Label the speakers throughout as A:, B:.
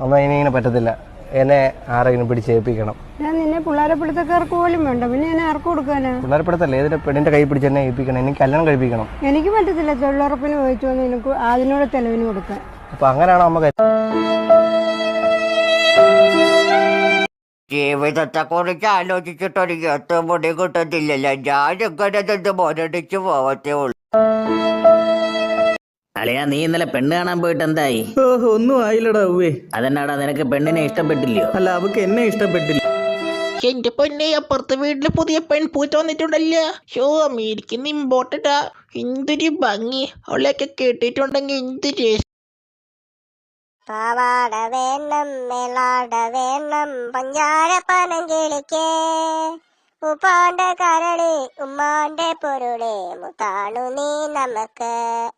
A: അമ്മ ഇനിങ്ങനെ പറ്റത്തില്ല, എന്നെ ആരെങ്കിലും പിടിച്ചേൽപ്പിക്കണം.
B: ഞാൻ നിന്നെ പിള്ളേരെ പിടുത്തക്കാർക്ക് പോലും വേണ്ട, പിന്നെ ഞാൻ ആർക്ക് കൊടുക്കാനാ?
A: പിള്ളേരെ പിടുത്തല്ലേ, ഏതിന്റെ പെണ്ണിന്റെ കൈ പിടിച്ച് എന്നെ ഏൽപ്പിക്കണം, എനിക്ക് കല്യാണം കഴിപ്പിക്കണം.
B: എനിക്ക് പറ്റത്തില്ല, തൊഴിലുറപ്പിന് പോയിച്ചു വന്ന് എനിക്ക് അതിനോട് തെളിവിന് കൊടുക്കാൻ.
A: അപ്പൊ അങ്ങനെയാണോ അമ്മ?
C: ജീവിതത്തെ കുറിച്ച് ആലോചിച്ചിട്ടൊരു എത്തുമുടി കിട്ടത്തില്ലല്ലോ. ഞാനിങ്ങനെ നിന്ന് മുരടിച്ചു പോവത്തേ ഉള്ളൂ.
D: അളിയാ, നീ ഇന്നലെ പെണ്ണ് കാണാൻ പോയിട്ട് എന്തായി?
E: ഒന്നും ആയില്ലടാ.
D: അതെന്നാടാ, നിനക്ക് പെണ്ണിനെ ഇഷ്ടപ്പെട്ടില്ലയോ?
E: അല്ല, അവക്ക് എന്നെ ഇഷ്ടപ്പെട്ടില്ല.
F: എന്റെ പൊന്നെ, അപ്പുറത്തെ വീട്ടില് പുതിയ പെൺപൂച്ച വന്നിട്ടുണ്ടല്ലോ. ഷോ, അമേരിക്കൻ ഇമ്പോർട്ടഡാ. എന്തൊരു ഭംഗി, അവളെയൊക്കെ കേട്ടിട്ടുണ്ടെങ്കിൽ എന്ത് രസം.
G: പാവാട വേണം, മേലാട വേണം, പഞ്ചാര പനങ്കിളിക്കേ, ഉപ്പാന്റെ കരളി ഉമ്മാന്റെ പൊരുളെ, മുത്താണു നീ നമുക്ക്.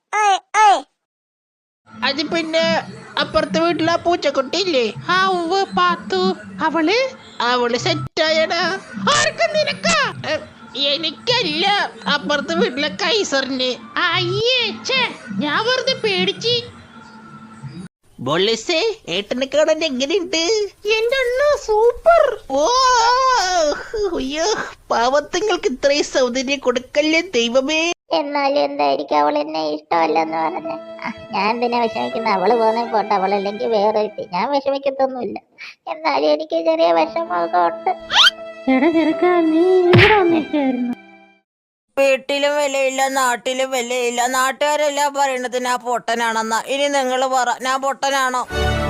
F: അത് പിന്നെ അപ്പുറത്തെ വീട്ടിലെ പൂച്ചക്കുട്ടിയില്ലേ, പാത്തു, അവള് സെറ്റായടാ. ആർക്കും നിനക്കാ? എനിക്കല്ല, അപ്പുറത്തെ വീട്ടിലെ കൈസറിന്. അയ്യേ, ഞാൻ വെറുതെ പേടിച്ച്. ബോളിസേ, ഏട്ടനെ കാണാൻ എങ്ങനെയുണ്ട്? എന്റെ അണ്ണ സൂപ്പർ. ഓ അയ്യോ, പാവത്തങ്ങൾക്ക് ഇത്രയും സൗന്ദര്യം കൊടുക്കല്ലേ ദൈവമേ.
G: എന്നാലും എന്തായിരിക്കും അവൾ എന്നെ ഇഷ്ടമല്ലെന്ന് പറഞ്ഞ? ഞാൻ എന്തിനാ വിഷമിക്കുന്ന? അവള് പോന്നെ പോട്ടെ, അവളല്ലെങ്കിൽ വേറെ. ഞാൻ വിഷമിക്കത്തൊന്നുമില്ല, എന്നാലും എനിക്ക് ചെറിയ വിഷമമൊക്കെ ഉണ്ട്.
C: വീട്ടിലും വിലയില്ല, നാട്ടിലും വിലയില്ല. നാട്ടുകാരെല്ലാം പറയണത് ഞാൻ പൊട്ടനാണെന്നാ. ഇനി നിങ്ങൾ പറ, ഞാൻ പൊട്ടനാണോ?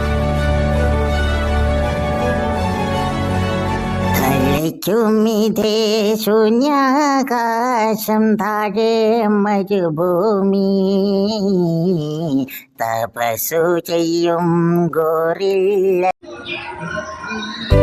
D: തലയ്ക്കുമിതേ ശൂന്യാകാശം, താഴെ മരുഭൂമി, തപസ്സു ചെയ്യും ഗോറില്ല.